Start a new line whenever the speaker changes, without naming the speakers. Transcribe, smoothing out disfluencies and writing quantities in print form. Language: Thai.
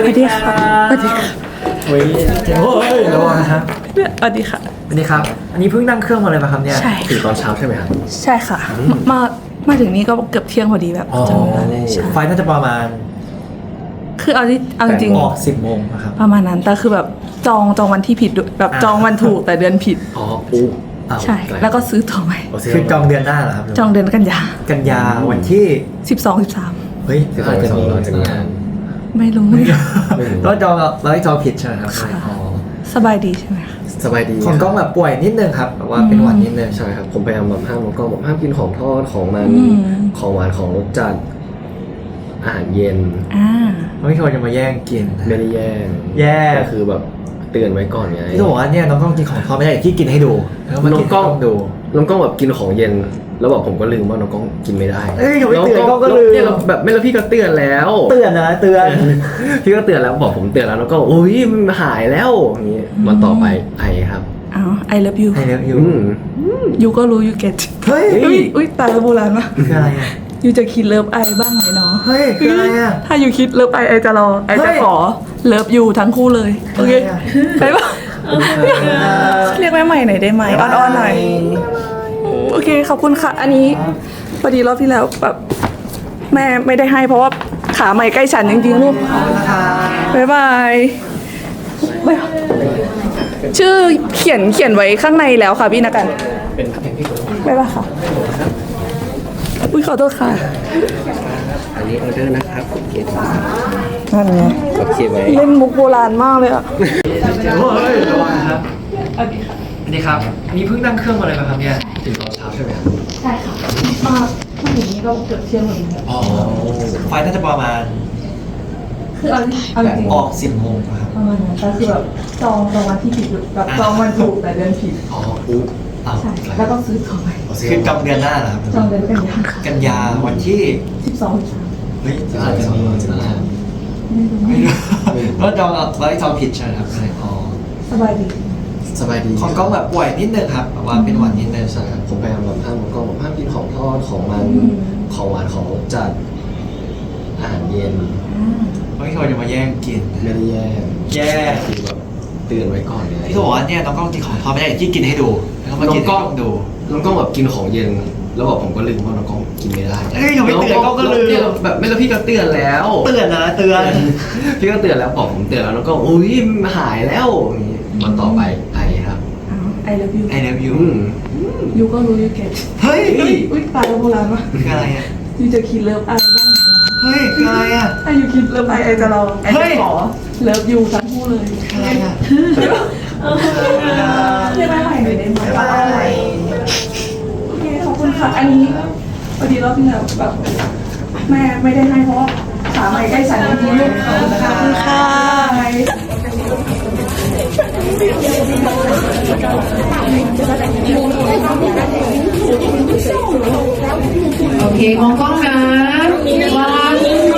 วัสดีค่ะสวัสดีค่ะ
เฮ้ยโอ้ยระวังนะครับ
สวัสดีค่ะ
สวัสดีครับ อันนี้เพิ่งนั่งเครื่องมาเลยป่ะครับเนี่ย
ใช่
ถึงตอนเช้าใช่ไหมครับ
ใช่ค่ะ มาถึงนี้ก็เกือบเที่ยงพอดีแบบ
อ๋อ
จำเวลาได้ใช่
ไฟน่าจะประมาณ
คือเอาจริง
ออก10 โมงนะครับ
ประมาณนั้นแต่คือแบบจองวันที่ผิดด้วยแบบจองวันถูกแต่เดือนผิด
อ๋ออู้อ้าว
ใช่ แล้วก็ซื้อตั๋วใหม่
คือจองเดือนหน้าเหรอครับ
จองเดือนกันยา
กันยาวันที่
13
เฮ้ย
คือ
อาจจะมี
เราจะมีงาน
ไม่รู้
แล้วจองเราให้จองผิดใช่ไหมครับ
ค่ะ
อ๋อ
สบายดีใช่ไหมคะ
สบายดี
ของกล้องแบบป่วยนิดนึงครับแบบว่าเป็นหวัดนิดนึง
ใช่ครับ ผมพยายามแบบห้ามน้องกล้องแบบห้ามกินของทอดของมันของหวานของรสจัดอาหารเย็น
อ่า
ไม่ควรจะมาแย่งกิน
ไม่ได้แย่ง
แย่
ก็คือแบบเตือนไว้ก่อนไง
พี่ต้องบอกว่าเนี่ยน้องกล้องกินของทอดไม่ได้ที่กินให้ดูแล้วมา
น้อ
กิ
ง
น
กล้อง
ให้ดู
น้องกล้องแบบกินของเย็น แล้วแบบผมก็ลืมว่าน้องกล้องกินไม่ได้
เอ้ยอย่าไปเตือนกล้องก็ลืม
เนี่ยเราแบบไม่แล้วพี่ก็เตือนแล้ว
เตือนนะเตือน
พี่ก็เตือนแล้วบอกผมเตือนแล้วแล้วก็โอ้ยมันหายแล้วอย่างนี้มันต่อไปไอครับ
อ้าว I love you
ไอเลิฟยู
ยูก็รู้ you get
เฮ้ย
อุ้ยตายแล้วโบราณมาก
คืออะไรอ่ะ
ยูจะคิดเลิฟไอบ้างไหมเนาะ
เฮ้ยคืออะไรอ่ะ
ถ้ายูคิดเลิฟไอจะรอไอ
เฮ้
จะ
ย
ขอเลิฟยูทั้งคู่เลย โอเค
อะไรอะ
ไปปะเรียกแม่ใหม่หน่อยได้ไหมอ้อนๆหน่อยโอเคขอบคุณค่ะ อันนี้พอดีรอบที่แล้วแบบแม่ไม่ได้ให้เพราะว่าขาใหม่ใกล้ฉันจริงๆลูกบ๊ายบายบ๊ายบายชื่อเขียนไว้ข้างในแล้วค่ะพี่นักกัน
เป็นเพลงที่ผม
บ๊ายบายค่ะอุ้ยขอโทษค่ะ
อันนี้ออเดอร์นะครับผมเขียน
นั่นไง
กับเขียนไว้
เล่นมุกโบราณมากเลยอะ
เฮ้ยระวังนะครับ
สวัสดีค่ะ
อันนี้ครับอันนี้เพิ่งนั่งเครื่องมาเลยป่ะครับเนี่ยถึงตอนเช้าใช่ไหมครับ
ใช่ค่ะมาถึงนี้ก็เกือบเที่ยงพอดีแบบ
อ๋อไฟน่าจะประมาณ
คือเอาจริง
ออก10 โมงนะครับ
ประมาณนั้นแต่คือแบบจองวันที่ผิดแบบจองวันถูกแต่เดือนผิด
อ๋ออู้อ้าว
ใช่แล้วก็ซื้อตั๋วใหม่
คือจองเดือนหน้าเหรอครับ
จองเดือนกันยา
กันยาวันที่
13
เฮ้ยอาจจะมี
ไม่รู้
ไม่รู้แล้วจองเราให้จองผิดใช่ไหมครับอ๋อ
สบายดี
สบายดี
ของกล้องแบบป่วยนิดนึงครับแบบว่าเป็นหวัดนิดนึง
ใช่ครับผมพยายามแบบห้ามน้องกล้องแบบห้ามกินของทอดของมันของหวานของรสจัดอาหารเย็น
ไม่ควรจะมาแย่งกิน
ไม่ได้แย่ง
แย่
คือแบบเตือนไว้ก่อนไง
พี่ต้องบอกว่าเนี่ยน้องกล้องกินของทอดไม่ได้ที่กินให้ดูแล้วมากินให้กล้องดู
น้องกล้องแบบกินของเย็น แล้วบอกผมก็ลืมว่าน้องกล้องกินไม่ได้
เอ้ยอย่าไปเตือนกล้องก็ลืม
เนี่ยแบบไม่แล้วพี่ก็เตือนแล้ว
เตือนนะเตือน
พี่ก็เตือนแล้วบอกผมเตือนแล้วน้องกล้องอุ้ยมันหายแล้วอย่างนี้มันต่อไปไอครับ
อ้าว I love you
I love you
ยูก็รู้ you get
เฮ้ย
อุ้ยตายแล้วโบราณมาก
คืออะไรอ่ะ
ยูจะคิดเลิฟไอบ้างไหมเนาะ
เฮ้ยคืออะไรอ่ะ
ถ้ายูคิดเลิฟไอจะรอไอ
เฮ้
จะ
ย
ขอเลิฟยูทั้งคู่เลย
คืออะไรอ่ะ
เรียกแม่ใหม่หน่อยได้ไหมโอเคขอบคุณค่ะ อันนี้พอดีรอบที่แล้วแบบแม่ไม่ได้ให้เพราะว่าขาใหม่ใกล้ฉันจริงๆลูกขอบคุณค่ะ
โอเคมองกล้องนะวัน